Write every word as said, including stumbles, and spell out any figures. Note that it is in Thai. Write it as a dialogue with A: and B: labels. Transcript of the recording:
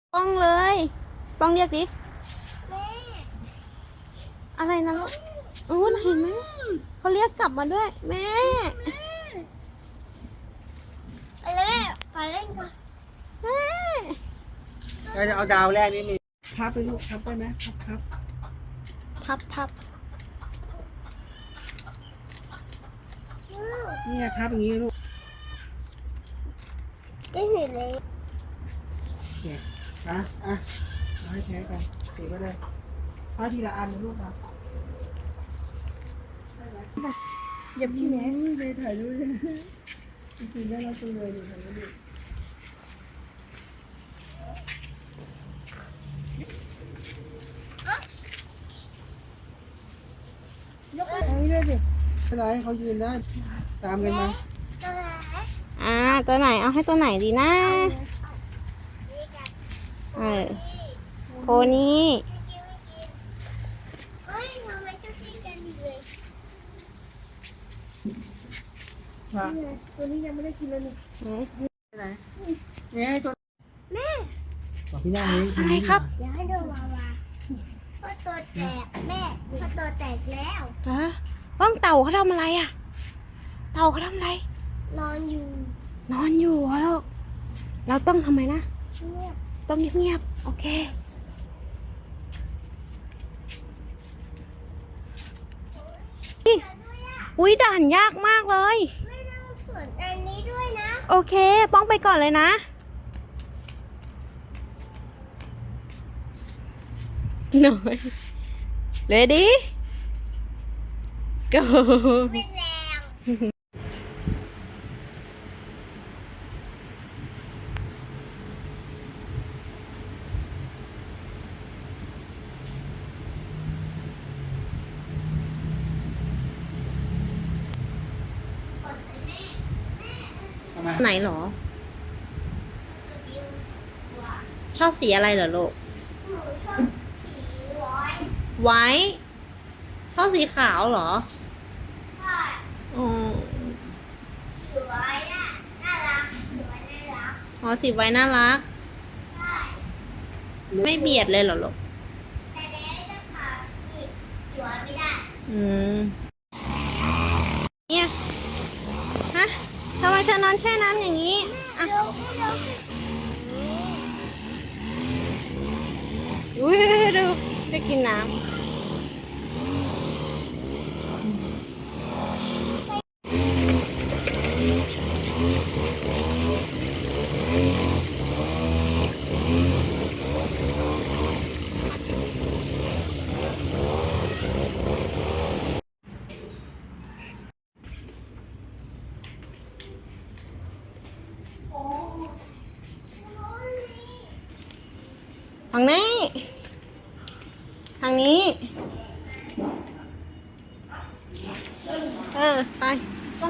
A: ป้องเลยป้องเรียกดิ
B: แม่
A: อะไรนะลูกโอ้เห็นไหมเขาเรียกกลับมาด้วยแม่
B: ไปเลยแม่ไปเล่นกัน
A: แม่
C: เราจะเอาดาวแรกนี่มีพับไปลูกพับได้ไหมพับพับ
A: พับพับ
C: เนี่ยพับอย่างนี้ลูก
B: ได้เห็นเลย
C: เนี่ยอ่ะอ่ะเอาให้แท้กันถือไปเลยพับทีละอันนะลูกนะอย่าพี่แหนเลยถ่ายรูปเลยจริงๆได้เราตัวเลยดูถ่ายรูปยกไปด้วยดิอะไรเขายืนได้ตามกันมา
B: ตัวไหน
A: อ่าตัวไหนเอาให้ตัวไหนดีนะ
B: นี่กัน
A: เออโพนี้
B: เฮ้ยทำไมเจ้าจิ้งกันดีเลย
C: มา
B: ตัวนี้ยังไม่ได้กินเลยนี่
A: อืม
C: ไหนเนี่ยให้ตัว
B: แม่
C: บอกพี่ย่านี้
A: อะไรครับ
B: อย่าให้ดูวาวาเพราะตัวแตกแม่เพราะตัวแตกแล้ว
A: ฮะป้องเต่าเขาทำอะไรอ่ะเต่าเขาทำอะไร
B: นอนอยู่
A: นอนอยู่เหรอลูกเราต้องทำไมนะ
B: เงียบ
A: ต้องเงียบๆโอเคนี่อุ้ยด่านยากมากเลย
B: ไม่ต้องสวนอันนี้ด้วยนะ
A: โอเคป้องไปก่อนเลยนะหน่อยเลดี้ก็
B: เป็นแรง
C: ทำไม
A: ไหนเหรอ ชอบสีอะไรเหรอลูก
B: หนูชอบฉีร้อย
A: ไว้ ชอบสีขาวเหรอ
B: ใช่
A: อ๋อ
B: ฉีร้อยน่ะน่ารักฉีร้อยน่ารัก
A: อ๋อสีไว้น่ารัก
B: ใช่
A: ไม่เบียดเลยเหรอลูก
B: แต่เด็กจะผ่านอีกฉีร้อยไม่ได้
A: อืม เนี่ย ฮะทำไมเธอนอนแช่น้ำอย่างนี้ อ่ะ
B: เร็วเร็ว
A: อุ้ยดูได้กินน้ำทางนี้ ทางนี้ เออ ไป